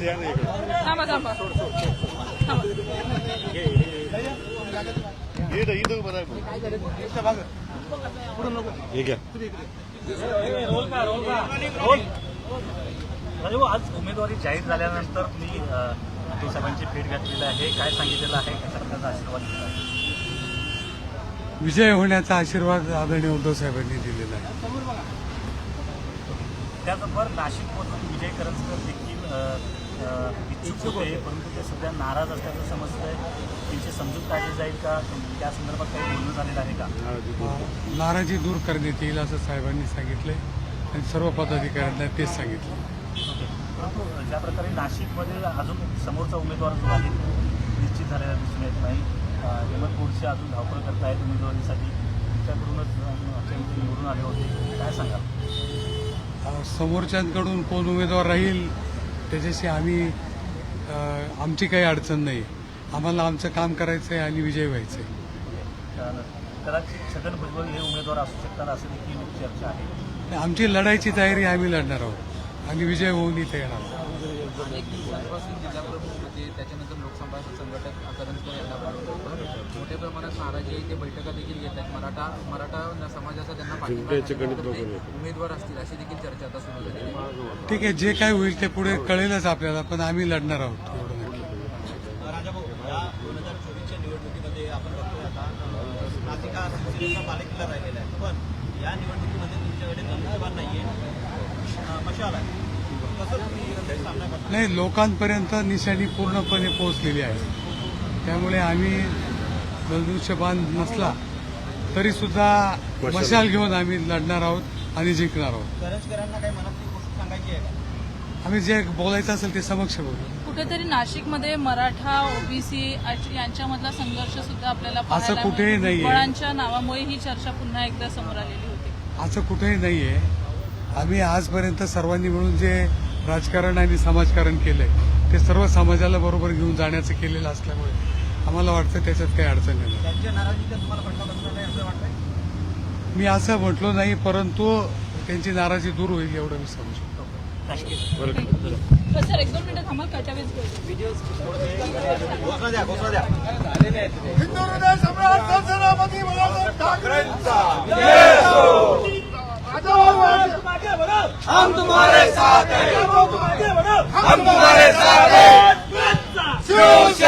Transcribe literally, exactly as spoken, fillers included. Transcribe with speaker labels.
Speaker 1: या ना इकडे.
Speaker 2: थांबा थांबा थांबा.
Speaker 1: इथं इथं बरं आहे. हे घ्या.
Speaker 3: आज उमेदवारी जाहीर झाल्यानंतर तुम्ही उद्धव साहेबांची भेट घेतलेली आहे, काय सांगितलेलं आहे, कशा प्रकारचा आशीर्वाद दिला आहे?
Speaker 4: विजय होण्याचा आशीर्वाद आदरणीय उद्धव साहेबांनी दिलेला आहे.
Speaker 3: त्याचबरोबर नाशिकमधून विजय करंजकर देखील इच्छुक होते, परंतु ते सध्या नाराज असल्याचं समजतंय. त्यांची समजूत काढली जाईल का, त्या संदर्भात काही बोलणं झालेलं आहे का?
Speaker 4: नाराजी दूर करण्यात येईल असं साहेबांनी सांगितलंय आणि सर्व पदाधिकाऱ्यांना तेच सांगितलं.
Speaker 3: परंतु ज्या प्रकारे नाशिकमध्ये अजून समोरचा उमेदवार जो आहे निश्चित झालेला दिसून येत नाही. हेमंत गोडसे अजून धावपळ करतायत उमेदवारीसाठी, त्याच्याकडूनच निवडून आले होते, काय सांगाल?
Speaker 4: समोरच्यांकडून कोण उमेदवार राहील त्याच्याशी आम्ही आमची काही अडचण नाही. आम्हाला आमचं काम करायचं आहे आणि विजय व्हायचं आहे.
Speaker 3: कदाचित छगन भुजबळ हे उमेदवार असू शकतात असं देखील चर्चा आहे.
Speaker 4: आमची लढायची तयारी आम्ही लढणार आहोत आणि विजय होऊन इथे येणार आहोत.
Speaker 5: अनेक दिवसांपासून जिल्हाप्रमुख होते, त्याच्यानंतर लोकसभा संघटक करंजकर यांना बोलवलं. मोठ्या प्रमाणात नाराजी आहे, ते बैठका देखील घेत आहेत. मराठा मराठा समाजाचा त्यांना पाठिंबा उमेदवार असतील अशी देखील चर्चा आता सुरू झाली आहे.
Speaker 4: ठीक आहे, जे काय होईल ते पुढे कळेलच आपल्याला, पण आम्ही लढणार आहोत एवढं नक्की.
Speaker 6: राजाभाऊ, या दोन हजार चोवीसच्या निवडणुकीमध्ये आपण बघतोय आता नाशिक हा शिवसेनेचा बालेकिल्ला राहिलेला आहे, पण या निवडणुकीमध्ये तुमच्याकडे धनुष्यबाण नाहीये, मशाल आहे.
Speaker 4: नाही, लोकांपर्यंत निशाणी पूर्णपणे पोहोचलेली आहे. त्यामुळे आम्ही धनुष्यबाण नसला तरी सुद्धा मशाल घेऊन आम्ही लढणार आहोत आणि जिंकणार आहोत.
Speaker 6: करंजकरांना काही मनातली गोष्ट सांगायची आहे का?
Speaker 4: आम्ही जे बोलायचं असेल ते समक्ष बोलू.
Speaker 2: कुठेतरी नाशिकमध्ये मराठा ओबीसी यांच्यामधला संघर्ष सुद्धा आपल्याला
Speaker 4: असं
Speaker 2: पाहायला
Speaker 4: कुठेही
Speaker 2: मिळतो.
Speaker 4: नाहीये.
Speaker 2: बळांच्या नावामुळे ही चर्चा पुन्हा एकदा समोर आलेली होती.
Speaker 4: असं कुठेही नाहीये. आम्ही आजपर्यंत सर्वांनी मिळून जे राजकारण आणि समाजकारण केलंय ते सर्व समाजाला बरोबर घेऊन जाण्याचं केलेलं असल्यामुळे आम्हाला वाटतं त्याच्यात काही अडचण नाही.
Speaker 6: त्यांच्या नाराजीचा तुम्हाला फटका बसणार नाही असं वाटतंय?
Speaker 4: मी असं म्हटलो नाही, परंतु त्यांची नाराजी दूर होईल एवढं मी समजू.
Speaker 2: सर एक दोन मिनिटं थांबा, कटावीच
Speaker 6: घोषणा द्या, घोषणा द्या.
Speaker 1: हिंदू हृदय सम्राट संसदापती बाळासाहेब ठाकरेंचा
Speaker 6: हम तुम्हारे साथ हैं, हम तुम्हारे साथ हैं.